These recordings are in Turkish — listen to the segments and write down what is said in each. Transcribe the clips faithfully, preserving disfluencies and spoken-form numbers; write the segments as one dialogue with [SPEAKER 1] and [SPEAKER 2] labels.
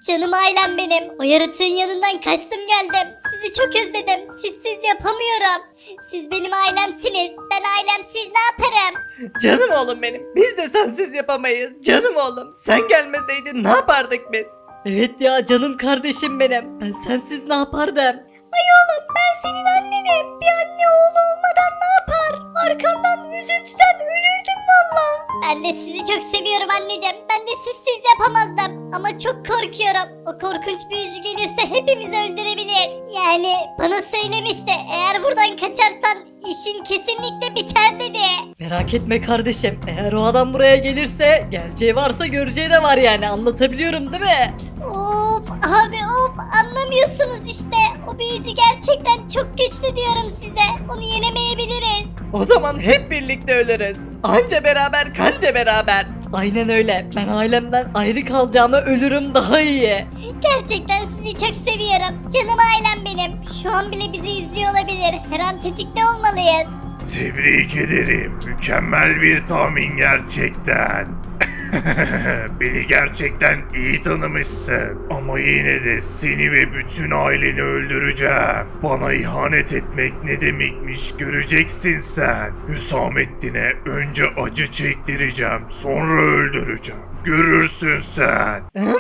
[SPEAKER 1] Canım ailem benim. O yaratığın yanından kaçtım geldim. Sizi çok özledim. Sizsiz yapamıyorum. Siz benim ailemsiniz. Ben ailemsiz ne yaparım?
[SPEAKER 2] Canım oğlum benim. Biz de sensiz yapamayız. Canım oğlum. Sen gelmeseydin ne yapardık biz? Evet ya canım kardeşim benim. Ben sensiz ne yapardım?
[SPEAKER 1] Ay oğlum ben senin annenim. Bir anne oğlu olmadan ne yapar? Arkandan üzüntüden ölürdüm valla. Ben de sizi çok seviyorum anneciğim. Ben de sizsiz yapamazdım. Ama çok korkuyorum. O korkunç büyücü gelirse hepimizi öldürebilir. Yani bana söylemişti. Eğer buradan kaçarsan işin kesinlikle biter dedi.
[SPEAKER 2] Merak etme kardeşim. Eğer o adam buraya gelirse geleceği varsa göreceği de var yani. Anlatabiliyorum değil mi?
[SPEAKER 1] Of abi of anlamıyorsunuz işte. O büyücü gerçekten çok güçlü diyorum size. Onu yenemeyebiliriz.
[SPEAKER 2] O zaman hep birlikte ölürüz. Anca beraber kanca beraber. Aynen öyle. Ben ailemden ayrı kalacağıma ölürüm daha iyi.
[SPEAKER 1] Gerçekten sizi çok seviyorum. Canım ailem benim. Şu an bile bizi izliyor olabilir. Her an tetikte olmalıyız.
[SPEAKER 3] Tebrik ederim. Mükemmel bir tahmin gerçekten. Beni gerçekten iyi tanımışsın. Ama yine de seni ve bütün aileni öldüreceğim. Bana ihanet etmek ne demekmiş göreceksin sen. Hüsamettin'e önce acı çektireceğim, sonra öldüreceğim. Görürsün sen.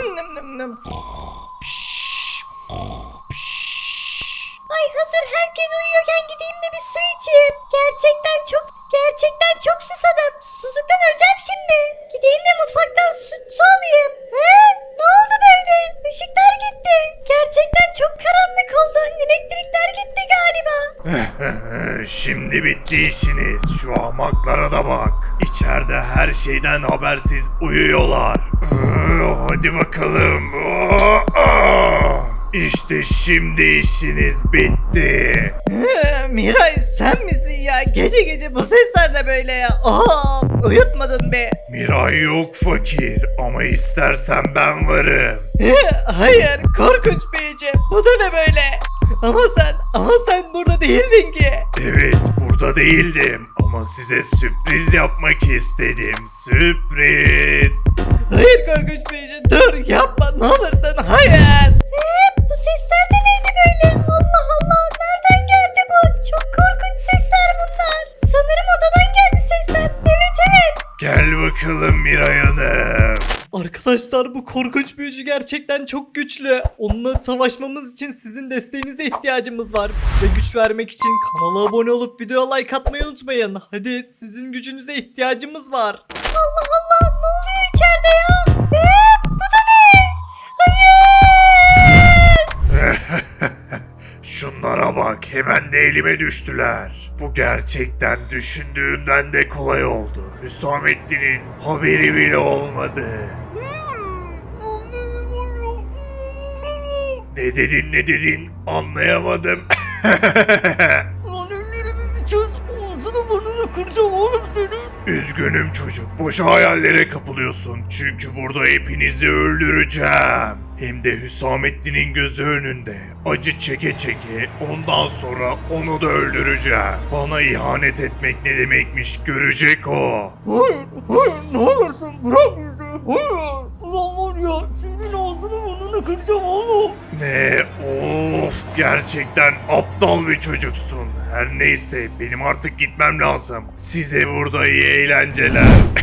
[SPEAKER 1] Ay hazır herkes uyuyorken gideyim de bir su içeyim. Gerçekten çok gerçekten çok susadım. Susuzluktan öleceğim şimdi. Gideyim de mutfaktan su, su alayım. He? Ne oldu böyle? Işıklar gitti. Gerçekten çok karanlık oldu. Elektrikler gitti galiba.
[SPEAKER 3] Şimdi bitti işiniz. Şu ahmaklara da bak. İçeride her şeyden habersiz uyuyorlar. Hadi bakalım. İşte şimdi işiniz bitti.
[SPEAKER 2] Miray sen misin ya? Gece gece bu sesler de böyle ya. Of uyutmadın be.
[SPEAKER 3] Miray yok fakir ama istersen ben varım.
[SPEAKER 2] Hayır korkunç büyücü. Bu da ne böyle? Ama sen ama sen burada değildin ki.
[SPEAKER 3] Evet burada değildim ama size sürpriz yapmak istedim. Sürpriz.
[SPEAKER 2] Hayır korkunç büyücü dur yapma ne olursun hayır.
[SPEAKER 1] He? Bu sesler de neydi böyle? Allah Allah. Nereden geldi bu? Çok korkunç sesler bunlar. Sanırım odadan geldi sesler. Evet evet.
[SPEAKER 3] Gel bakalım Miray Hanım.
[SPEAKER 2] Arkadaşlar bu korkunç büyücü gerçekten çok güçlü. Onunla savaşmamız için sizin desteğinize ihtiyacımız var. Bize güç vermek için kanala abone olup videoya like atmayı unutmayın. Hadi sizin gücünüze ihtiyacımız var.
[SPEAKER 1] Allah Allah. Ne oluyor içeride ya? He? Bu da ne? Hayır.
[SPEAKER 3] Şunlara bak hemen de elime düştüler. Bu gerçekten düşündüğümden de kolay oldu. Hüsamettin'in haberi bile olmadı. Ne dedin ne dedin anlayamadım.
[SPEAKER 2] Lan ellerimi bir çöz. Ağzını burnunu kıracağım oğlum senin.
[SPEAKER 3] Üzgünüm çocuk. Boşa hayallere kapılıyorsun. Çünkü burada hepinizi öldüreceğim. Hem de Hüsamettin'in gözü önünde. Acı çeke çeke ondan sonra onu da öldüreceğim. Bana ihanet etmek ne demekmiş görecek o.
[SPEAKER 2] Hayır hayır ne olursun bırak bizi. Hayır. Ulan var ya senin ağzını burnunu kıracağım oğlum.
[SPEAKER 3] Ne? Of gerçekten aptal bir çocuksun. Her neyse benim artık gitmem lazım. Size burada iyi eğlenceler.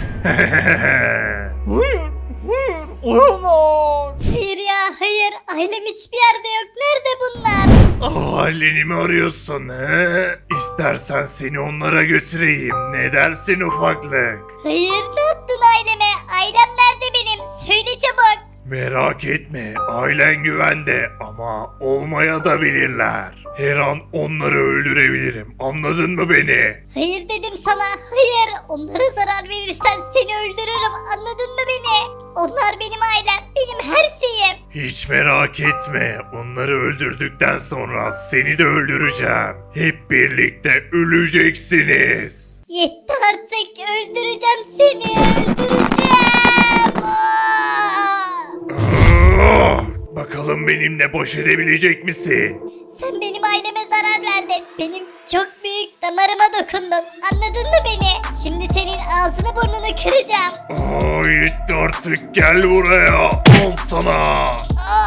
[SPEAKER 2] Hayır hayır olamaz.
[SPEAKER 1] Hayır ya hayır. Ailem hiçbir yerde yok. Nerede bunlar?
[SPEAKER 3] Aileni mi arıyorsun he? İstersen seni onlara götüreyim. Ne dersin ufaklık?
[SPEAKER 1] Hayır ne yaptın aileme? Ailem nerede benim? Söyle çabuk.
[SPEAKER 3] Merak etme ailen güvende ama olmaya da bilirler. Her an onları öldürebilirim. Anladın mı beni?
[SPEAKER 1] Hayır dedim sana. Hayır. Onlara zarar verirsen seni öldürürüm. Anladın mı beni? Onlar benim ailem. Benim her şeyim.
[SPEAKER 3] Hiç merak etme. Onları öldürdükten sonra seni de öldüreceğim. Hep birlikte öleceksiniz.
[SPEAKER 1] Yetti artık. Öldüreceğim seni. Öldüreceğim. Aa!
[SPEAKER 3] Ah! Bakalım benimle baş edebilecek misin?
[SPEAKER 1] Sen benim aileme zarar verdin. Benim çok büyük damarıma dokundun. Anladın mı beni? Şimdi senin ağzını burnunu kıracağım.
[SPEAKER 3] Aa, yetti artık gel buraya. Al sana.
[SPEAKER 1] Aa!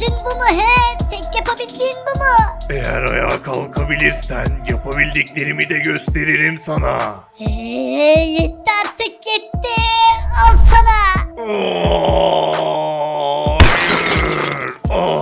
[SPEAKER 1] gücün bu mu he? Tek yapabildiğin bu mu?
[SPEAKER 3] Eğer ayağa kalkabilirsen yapabildiklerimi de gösteririm sana.
[SPEAKER 1] Eee yetti artık yetti. Al sana.
[SPEAKER 3] Aa, hayır.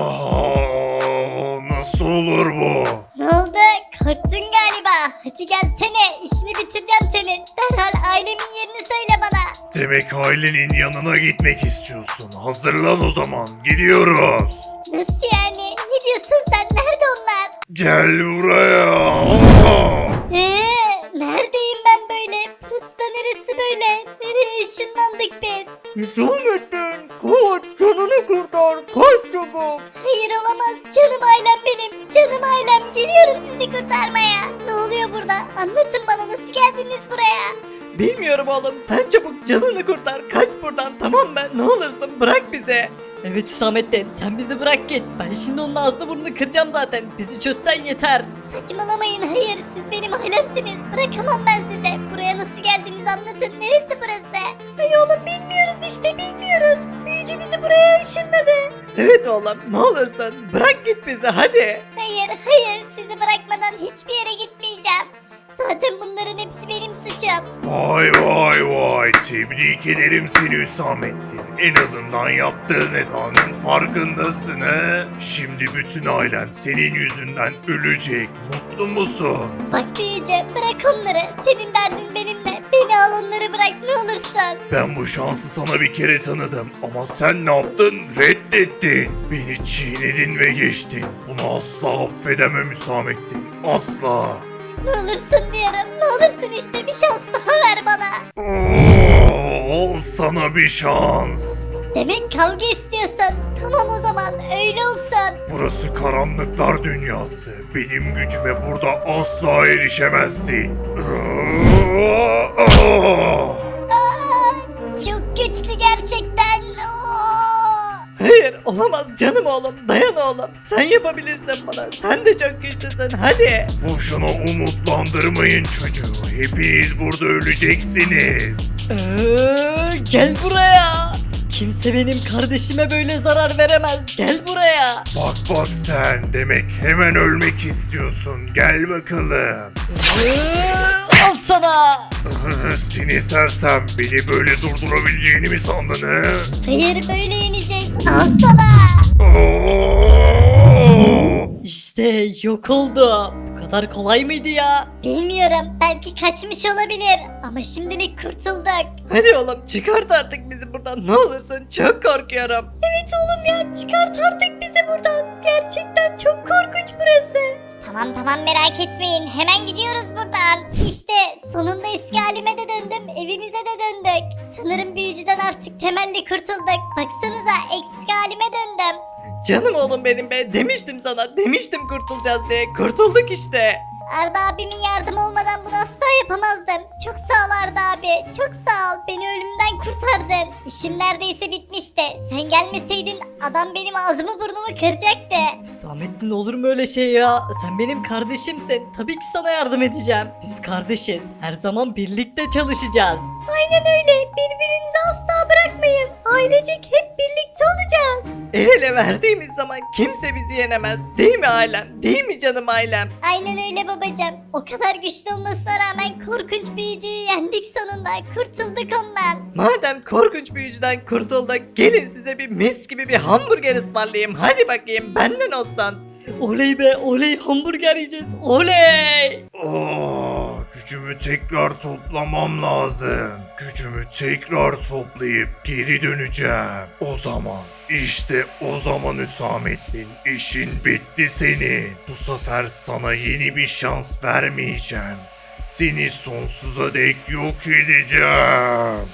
[SPEAKER 3] Aa, nasıl olur bu?
[SPEAKER 1] Ne oldu? Korktun galiba. Hadi gelsene. İşini bitireceğim senin. Derhal ailemin yerini söyle bana.
[SPEAKER 3] Demek ailenin yanına gitmek istiyorsun. Hazırlan o zaman. Gidiyoruz.
[SPEAKER 1] Nasıl yani? Ne diyorsun sen? Nerede onlar?
[SPEAKER 3] Gel buraya. Aa!
[SPEAKER 1] Ee, neredeyim ben böyle? Burası da neresi böyle? Nereye ışınlandık biz?
[SPEAKER 2] Hüsamettin koş canını kurtar koş çabuk.
[SPEAKER 1] Hayır olamaz. Canım ailem benim. Canım ailem. Geliyorum sizi kurtarmaya. Ne oluyor burada? Anlatın bana nasıl geldiniz buraya?
[SPEAKER 2] Bilmiyorum oğlum sen çabuk canını kurtar kaç buradan tamam mı ne olursun bırak bizi. Evet Hüsamettin sen bizi bırak git ben şimdi onun ağzını burnunu kıracağım zaten bizi çözsen yeter.
[SPEAKER 1] Saçmalamayın. Hayır siz benim ailemsiniz. Bırakamam ben size. Buraya nasıl geldiniz anlatın. Neresi burası? Ay oğlum bilmiyoruz işte bilmiyoruz. Büyücü bizi buraya ışınladı.
[SPEAKER 2] Evet oğlum ne olursun bırak git bizi hadi.
[SPEAKER 1] Hayır hayır sizi bırakmadan hiçbir yere gitmeyeceğim. Zaten bunların hepsi benim suçum.
[SPEAKER 3] Vay vay vay. Tebrik ederim seni Hüsamettin. En azından yaptığın hatanın farkındasın he. Şimdi bütün ailen senin yüzünden ölecek. Mutlu musun?
[SPEAKER 1] Bak büyücü bırak onları. Senin derdin benimle. Beni al onları bırak ne olursun.
[SPEAKER 3] Ben bu şansı sana bir kere tanıdım ama sen ne yaptın? Reddettin. Beni çiğnedin ve geçtin. Bunu asla affedemem Hüsamettin. Asla.
[SPEAKER 1] Ne olursun diyorum. Ne olursun işte bir şans daha ver bana.
[SPEAKER 3] Oo, al sana bir şans.
[SPEAKER 1] Demek kavga istiyorsun. Tamam o zaman öyle olsun.
[SPEAKER 3] Burası karanlıklar dünyası. Benim gücüme burada asla erişemezsin. Aa, aa.
[SPEAKER 1] Aa, çok güçlü gerçekten. Oo.
[SPEAKER 2] Hayır olamaz canım oğlum dayan oğlum sen yapabilirsin bana sen de çok güçlüsün hadi.
[SPEAKER 3] Boşuna umutlandırmayın çocuğu. Hepiniz burada öleceksiniz.
[SPEAKER 2] Ee, gel buraya. Kimse benim kardeşime böyle zarar veremez. Gel buraya.
[SPEAKER 3] Bak bak sen demek hemen ölmek istiyorsun. Gel bakalım.
[SPEAKER 2] Ee, al sana.
[SPEAKER 3] Seni sersem beni böyle durdurabileceğini mi sandın he?
[SPEAKER 1] Hayır böyle yeneceğiz. Al sana.
[SPEAKER 3] Oo!
[SPEAKER 2] İşte yok oldu. Bu kadar kolay mıydı ya?
[SPEAKER 1] Bilmiyorum belki kaçmış olabilir. Ama şimdilik kurtulduk.
[SPEAKER 2] Hadi oğlum çıkart artık bizi buradan ne olursun çok korkuyorum.
[SPEAKER 1] Evet oğlum ya çıkart artık bizi buradan. Gerçekten çok korkunç burası. Tamam tamam merak etmeyin. Hemen gidiyoruz buradan. İşte sonunda eski halime de döndüm. Evimize de döndük. Sanırım büyücüden artık temelli kurtulduk. Baksanıza eski halime döndüm.
[SPEAKER 2] Canım oğlum benim be demiştim sana demiştim kurtulacağız diye kurtulduk işte.
[SPEAKER 1] Arda abimin yardımı olmadan bunu asla yapamazdım. Çok sağ ol Arda abi. Çok sağ ol. Beni ölümden kurtardın. İşim neredeyse bitmişti. Sen gelmeseydin adam benim ağzımı burnumu kıracaktı.
[SPEAKER 2] Hüsamettin olur mu öyle şey ya? Sen benim kardeşimsin. Tabii ki sana yardım edeceğim. Biz kardeşiz. Her zaman birlikte çalışacağız.
[SPEAKER 1] Aynen öyle. Birbirinizi asla bırakmayın. Ailecek hep birlikte olacağız.
[SPEAKER 2] El ele verdiğimiz zaman kimse bizi yenemez. Değil mi ailem? Değil mi canım ailem?
[SPEAKER 1] Aynen öyle babacığım. O kadar güçlü olmasına rağmen korkunç büyücüyü yendik sonunda. Kurtulduk ondan.
[SPEAKER 2] Madem korkunç büyücüden kurtulduk gelin size bir mis gibi bir hamburger ısmarlayayım. Hadi bakayım benden olsun. Oley be oley hamburger yiyeceğiz oley.
[SPEAKER 3] Aa, gücümü tekrar toplamam lazım. Gücümü tekrar toplayıp geri döneceğim. O zaman işte o zaman Hüsamettin işin bitti senin. Bu sefer sana yeni bir şans vermeyeceğim. Seni sonsuza dek yok edeceğim.